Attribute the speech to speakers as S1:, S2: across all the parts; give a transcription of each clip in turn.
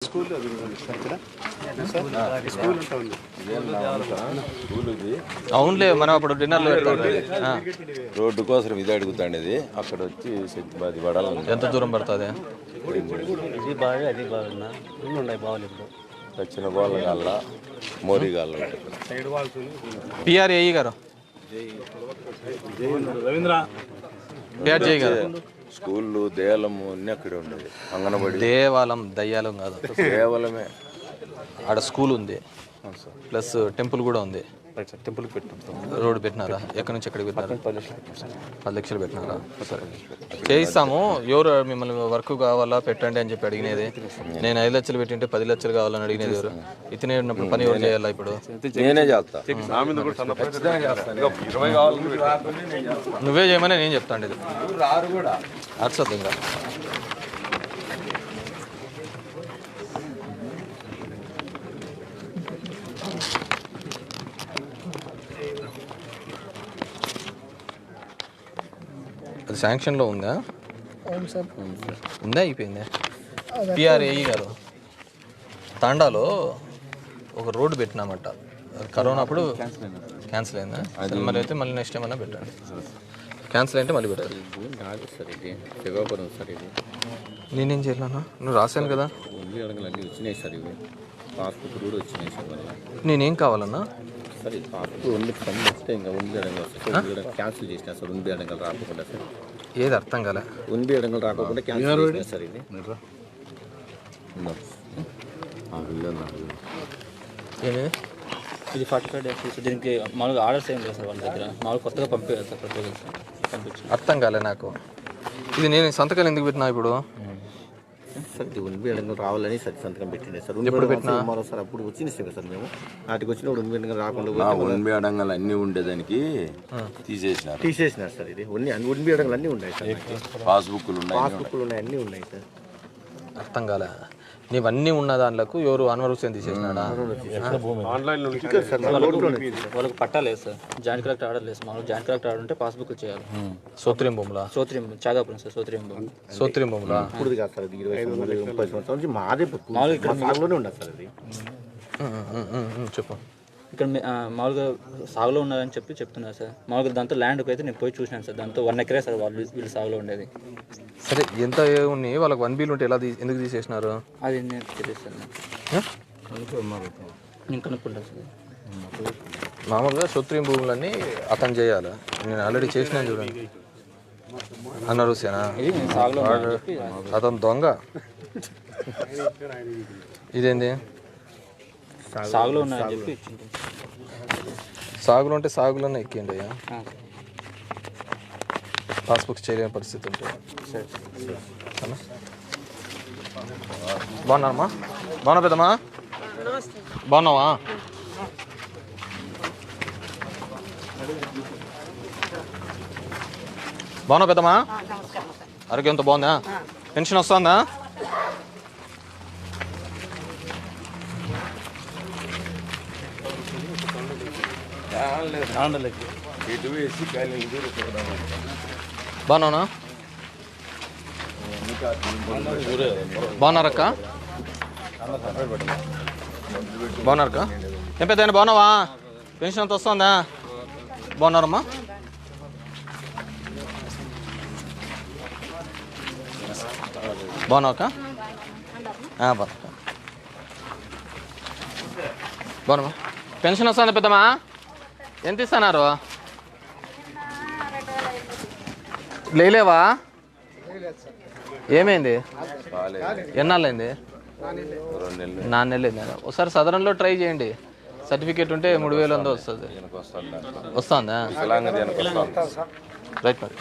S1: అవునులే, మనం అప్పుడు డిన్నర్లో
S2: రోడ్డు కోసం ఇది అడుగుతాండేది. అక్కడ వచ్చి అది పడాలి.
S1: ఎంత దూరం పడుతుంది?
S2: చిన్న గోళ్ళ గాళ్ళ మోరీ గాళ్ళ
S1: పిఆర్ఏఈ గారు
S2: స్కూళ్ళు దేవాలము అన్నీ అక్కడే ఉండేది. అంగనబడి
S1: దేవాలయం దయ్యాలం కాదు,
S2: దేవాలయమే.
S1: ఆడ స్కూల్ ఉంది, ప్లస్ టెంపుల్ కూడా ఉంది.
S3: టెంపుల్ పెట్టినాం.
S1: రోడ్డు పెట్టినారా? ఎక్కడి నుంచి ఎక్కడికి పెట్టినారా? 10 లక్షలు పెట్టినారా? సరే చేయిస్తాము. ఎవరు మిమ్మల్ని వర్క్ కావాలా పెట్టండి అని చెప్పి అడిగినది? నేను 5 లక్షలు పెట్టింటే 10 లక్షలు కావాలని అడిగినది ఎవరు? ఇతనే ఉన్నప్పుడు పని ఎవరు చేయాలా? ఇప్పుడు
S2: నేనే చేస్తా.
S1: నువ్వే చేయమని నేను చెప్తాండి. ఇది అర్చద్దు ఇంకా. అది శాంక్షన్లో ఉందా? ఉందా అయిపోయిందా? పిఆర్ఏఈ గారు తాండాలో ఒక రోడ్డు పెట్టినామట, కరోనా అప్పుడు క్యాన్సిల్ అయిందా? మరి అయితే మళ్ళీ నెక్స్ట్ టైం అన్నా పెట్టండి. క్యాన్సిల్ అయితే మళ్ళీ పెట్టాలి. నేనేం చేయాలన్నా? నువ్వు రాశాను కదా. నేనేం కావాలన్నా?
S2: సరే క్యాన్సిల్ చేసిన సార్. ఉండి అడగలు రాకుండా సార్.
S1: ఏది అర్థం కాలే?
S2: ఉండి అడగలు రాకుండా క్యాన్సిల్ చేసిన సార్. ఇది
S3: ఇది 45 డేస్. దీనికి మామూలుగా ఆర్డర్స్ ఏం లేదు సార్ వాళ్ళ దగ్గర. మామూలుగా కొత్తగా పంపించారు సార్ ప్రపోజల్స్ పంపించి.
S1: అర్థం కాలే నాకు. ఇది నేను సంతకాలు ఎందుకు పెట్టినా ఇప్పుడు?
S2: సార్ ఇది ఉండి అడగలు రావాలని సార్ సంతకం పెట్టిండే సార్.
S1: ఎప్పుడు పెట్టినా?
S2: సార్ అప్పుడు వచ్చింది సార్. మేము వాటికి వచ్చినప్పుడు ఉండి అడగలు రాకుండా ఉండి అడగలు అన్నీ ఉండేదానికి తీసేసినారు సార్. ఇది ఉండి అడగలు అన్నీ ఉన్నాయి సార్. పాస్బుక్లు ఉన్నాయి, అన్నీ ఉన్నాయి సార్.
S1: అర్థం కాలే. నీవన్నీ ఉన్న దాంట్లకు ఎవరు అన్వర్ హుసేన్ తీసేసినాడా?
S3: వాళ్ళకి పట్టాలేదు సార్. జాయింట్ కలెక్టర్ ఆర్డర్ లేదు. మామూలు జాయింట్ కలెక్టర్ ఆర్డర్ ఉంటే పాస్బుక్ చేయాలి.
S1: సోత్రియం భూములా?
S3: చాగాపురం సార్. సోత్రియం
S1: భూములా?
S2: ఇప్పుడు కాదు సార్. 20-30 సంవత్సరాల నుంచి మాదే మామూలుగా ఉండదు సార్. అది
S1: చెప్పు.
S3: ఇక్కడ మామూలుగా సాగులో ఉన్నారని చెప్తున్నారు సార్. మామూలుగా దాంతో ల్యాండ్కి అయితే నేను పోయి చూసినాను సార్. దాంతో 1 ఎకరే సార్ వీళ్ళు సాగులో ఉండేది.
S1: సరే ఎంత ఉన్నాయి వాళ్ళకి? 1 బిల్ ఉంటే ఎలా ఎందుకు తీసేసినారు?
S3: అది నేను తెలియదు సార్. నేను కనుక్కుంటాను సార్.
S1: మామూలుగా సోత్రియం భూములన్నీ అతను చేయాలి. నేను ఆల్రెడీ చేసినా చూడండి. అన్నారు హుసేనా? అతను దొంగ. ఇదేంది?
S3: సాగులో ఉన్నాయని చెప్పి
S1: సాగులో ఉంటే సాగులోనే ఎక్కిండి అయ్యా. పాస్బుక్ చేయలేని పరిస్థితి ఉంటుంది. బాగున్నారమ్మా? బాగున్నా పెద్దమ్మా? బాగున్నావా? బాగున్నా పెద్దమ్మా? ఆరోగ్యంతో బాగుందా? పెన్షన్ వస్తుందా? బాగున్నావునా? బాగున్నారక్క? బాగున్నారక్క? ఏం పెద్ద బాగున్నావా? పెన్షన్ అంత వస్తుందా? బాగున్నారమ్మా? బాగున్నావక్క? బాగున్నామా? పెన్షన్ వస్తుందా పెద్దమ్మా? ఎంత ఇస్తున్నారు? లేవా? ఏమైంది? ఎన్నాళ్ళైంది? 4 నెలలు అయింది. ఒకసారి సదరంలో ట్రై చేయండి. సర్టిఫికేట్ ఉంటే 3000 వస్తుంది. వస్తుందా? రైట్ మరి.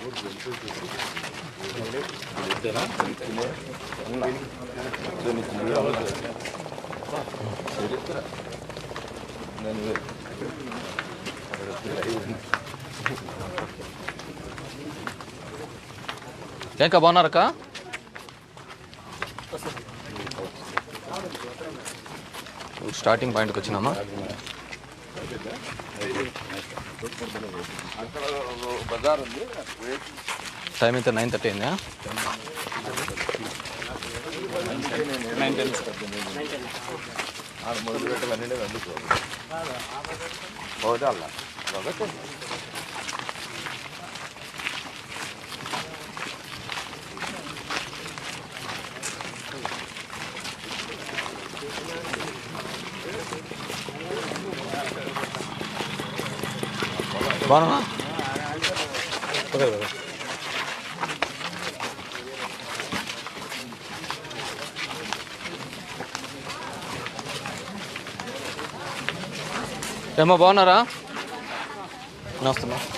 S1: ఇంకా బాగున్నారక్క? స్టార్టింగ్ పాయింట్కి వచ్చినామా? టైం అయితే 9:30 అయిందా?
S2: ఆడ మొదలు పెట్టాలన్నీ అందుకు పోతే అలా ఒకటి
S1: బాగున్నా ఏమో బాగున్నారా? నమస్తే.